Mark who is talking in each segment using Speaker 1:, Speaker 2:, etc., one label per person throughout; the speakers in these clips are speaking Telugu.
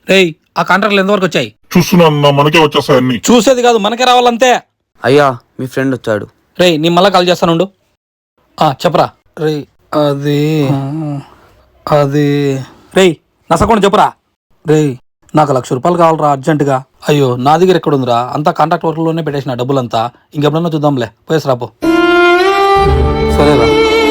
Speaker 1: రేయ్ ఆ కాంట్రాక్ట్లు ఎంతవరకు వచ్చాయి?
Speaker 2: చూస్తున్నా మనకే వచ్చేస్తాయి అన్ని.
Speaker 1: చూసేది కాదు మనకే రావాలంతే.
Speaker 3: అయ్యా మీ ఫ్రెండ్ వచ్చాడు.
Speaker 1: రేయ్ నీ మళ్ళా కాల్ చేస్తానుండు. చెప్పరా. రేయ్ అది రేయ్ నసకుండా చెప్పురా. రేయ్ నాకు ₹1,00,000 కావాలరా అర్జెంటుగా. అయ్యో నా దగ్గర ఎక్కడుందిరా, అంతా కాంట్రాక్ట్ వర్క్లోనే పెట్టేసిన డబ్బులంతా. ఇంకెప్పుడన్నా చూద్దాంలే, పోయేసి రాపో. సరేరా.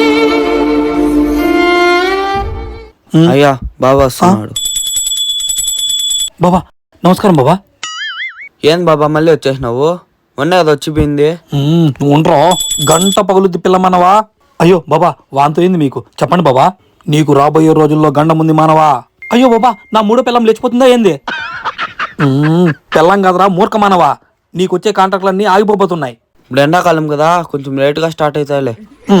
Speaker 3: అయ్యా బాబా వస్తున్నాడు.
Speaker 1: బాబా నమస్కారం బాబా.
Speaker 3: ఏం బాబా మళ్ళీ వచ్చేసినావు? మొన్న అది వచ్చిపోయింది.
Speaker 1: నువ్వు ఉండరా, గంట పగులుద్ది పిల్లమనవా. అయ్యో బాబా వాంతో ఏంది మీకు, చెప్పండి బాబా. నీకు రాబోయే రోజుల్లో గండం ఉంది మానవా. అయ్యో బాబా నా మూడో పిల్లం లేచిపోతుందా ఏంది? పిల్లం కదరా మూర్ఖమానవా, నీకొచ్చే కాంట్రాక్ట్లన్నీ ఆగిపోతున్నాయి.
Speaker 3: ఇప్పుడు ఎండాకాలం కదా, కొంచెం లేట్గా స్టార్ట్ అవుతాయిలే.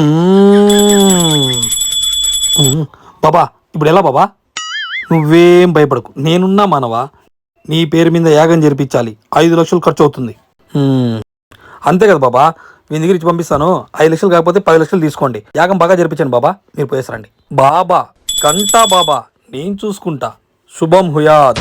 Speaker 1: బాబా ఇప్పుడు ఎలా బాబా? నువ్వేం భయపడకు, నేనున్నా మానవా. నీ పేరు మీద యాగం జరిపించాలి, 5 లక్షలు ఖర్చు అవుతుంది. అంతే కదా బాబా, మీ దగ్గర ఇచ్చి పంపిస్తాను. 5 లక్షలు కాకపోతే 10 లక్షలు తీసుకోండి. యాగం బాగా జరిపించండి బాబా, మీరు పోయేసరండి. బాబా గంటా బాబా నేను చూసుకుంటా. శుభం హుయాద్.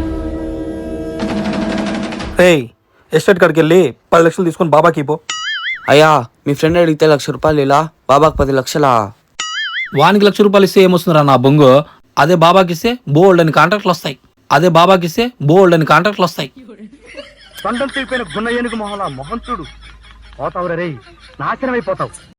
Speaker 1: రేయ్ ఎస్టేట్ కాడికి వెళ్ళి 10 లక్షలు తీసుకొని బాబాకి పో.
Speaker 3: అయ్యా మీ ఫ్రెండ్ అడిగితే ₹1,00,000 ఇలా, బాబాకి 10 లక్షలా?
Speaker 1: వానికి ₹1,00,000 ఇస్తే ఏమొస్తుందిరా నా బొంగు. అదే బాబాకి ఇస్తే బోల్డ్ అని కాంట్రాక్ట్లు వస్తాయి.
Speaker 4: తొండం తీపిన గున్న ఏనుగు మొహలా మొహం చూడు. పోతావురా రేయ్, నాశనమైపోతావు.